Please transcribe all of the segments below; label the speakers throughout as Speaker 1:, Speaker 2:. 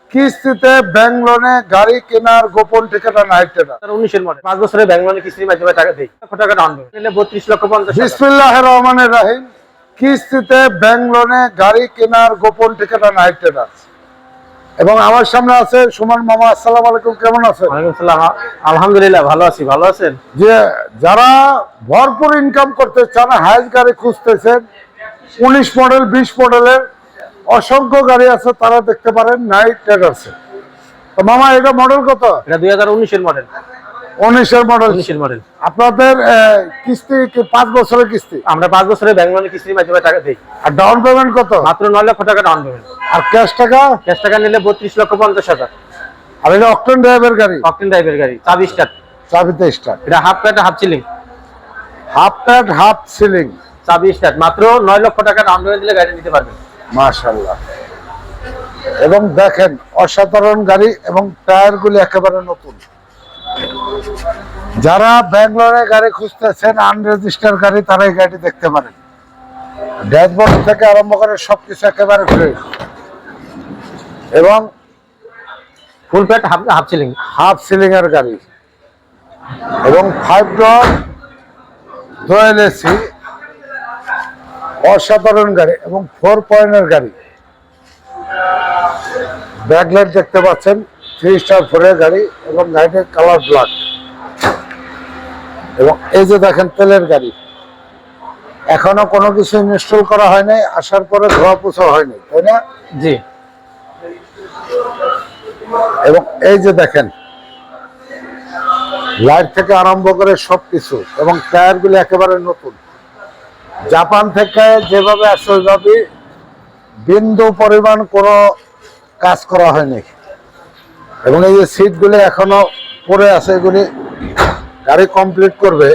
Speaker 1: কিস্তিতে ব্যাংক লোনে গাড়ি কেনার গোপন ঠিকানা নাইট ট্রেডার।
Speaker 2: 19 এর মডেল 5 বছরের ব্যাংক লোনে কিস্তির মাধ্যমে টাকা দেই। কত টাকা ডাউন পেমেন্ট নিলে 32,50,000।
Speaker 1: বিসমিল্লাহির রহমানির রহিম। কিস্তিতে ব্যাংক লোনে গাড়ি কেনার গোপন ঠিকানা নাইট ট্রেডার। এবং আমার সামনে আছে সুমন মামা। আসসালামু আলাইকুম, কেমন আছেন?
Speaker 2: ওয়ালাইকুম আসসালাম। আলহামদুলিল্লাহ ভালো আছি। ভালো আছেন?
Speaker 1: যে যারা ভরপুর ইনকাম করতে চান, হাইস গাড়ি খুঁজতেছেন, 19 মডেল 20 মডেলের অসংখ্য গাড়ি আছে, তারা দেখতে পারেন নাইট ট্রেডার্সে। তো মামা, এটা মডেল কত?
Speaker 2: এটা 2019 এর মডেল।
Speaker 1: 19 এর মডেল।
Speaker 2: 19 এর মডেল।
Speaker 1: আপনাদের কিস্তি কি 5 বছরের কিস্তি?
Speaker 2: আমরা 5 বছরের ব্যাংক লোনে কিস্তির মাধ্যমে টাকা দেই।
Speaker 1: আর ডাউন পেমেন্ট কত?
Speaker 2: মাত্র 9 লক্ষ টাকা ডাউন পেমেন্ট।
Speaker 1: আর ক্যাশ টাকা?
Speaker 2: ক্যাশ টাকা নিলে 32,50,000।
Speaker 1: আর এটা অকটেন ড্রাইভের গাড়ি?
Speaker 2: অকটেন ড্রাইভের গাড়ি, চাবি স্টার্ট।
Speaker 1: চাবিতে স্টার্ট।
Speaker 2: এটা half pad half ceiling.
Speaker 1: Half pad half ceiling,
Speaker 2: চাবি স্টার্ট। মাত্র 9 লক্ষ টাকা ডাউন পেমেন্ট দিলে গাড়ি নিতে পারবেন।
Speaker 1: মাশাআল্লাহ। এবং দেখেন অসাধারণ গাড়ি এবং টায়ারগুলি একেবারে নতুন। যারা ব্যাঙ্গালোরে গাড়ি খুঁজতেছেন, আনরেজিস্টার গাড়ি, তারা এই গাড়ি দেখতে পারেন। ড্যাশবোর্ড থেকে আরম্ভ করে সবকিছু একেবারে ফ্রেশ এবং
Speaker 2: full pad half ceiling.
Speaker 1: Half ceiling এর গাড়ি এবং 5 ডোর ডুয়াল এসি, অসাধারণ গাড়ি এবং 4 পয়েন্টের গাড়ি। ব্যাকলাইট দেখতে পাচ্ছেন, 3 স্টার 4 গাড়ি এবং গাড়িটির কালার ব্ল্যাক। এবং এই যে দেখেন তেলের গাড়ি, এখনো কোনো কিছু ইনস্টল করা হয়নি, আসার পরে ধোয়া পোছা হয়নি, তাই না?
Speaker 2: জি।
Speaker 1: এবং এই যে দেখেন লাইট থেকে আরম্ভ করে সবকিছু এবং টায়ারগুলো একেবারে নতুন। জাপান থেকে যেভাবে আসে ওইভাবে বিন্দু পরিমাণ কোনো কাজ করা হয়নি। এবং এই যে সিটগুলো এখনো পড়ে আছে, এগুলি গাড়ি কমপ্লিট করবে।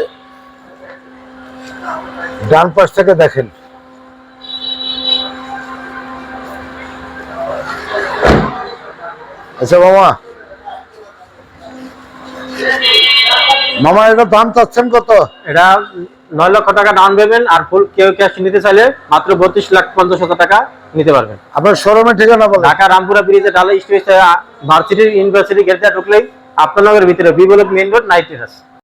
Speaker 1: ডান পাশ থেকে দেখেন, আচ্ছা মামা, এটা দাম চাচ্ছেন কত?
Speaker 2: এটা 9 লক্ষ টাকা ডাউন পেমেন্ট আর ফুল কেউ ক্যাশ নিতে চাইলে মাত্র 32,50,000 টাকা নিতে পারবেন।
Speaker 1: আপনার শোরুমের ঠিকানা বলেন।
Speaker 2: ঢাকা রামপুরা ব্রিজে ঢালাই স্টেশন ভার্সিটি ইউনিভার্সিটি গেটে ঢুকলেই আপনার নগরের ভিতরে B block main road night টেরাস।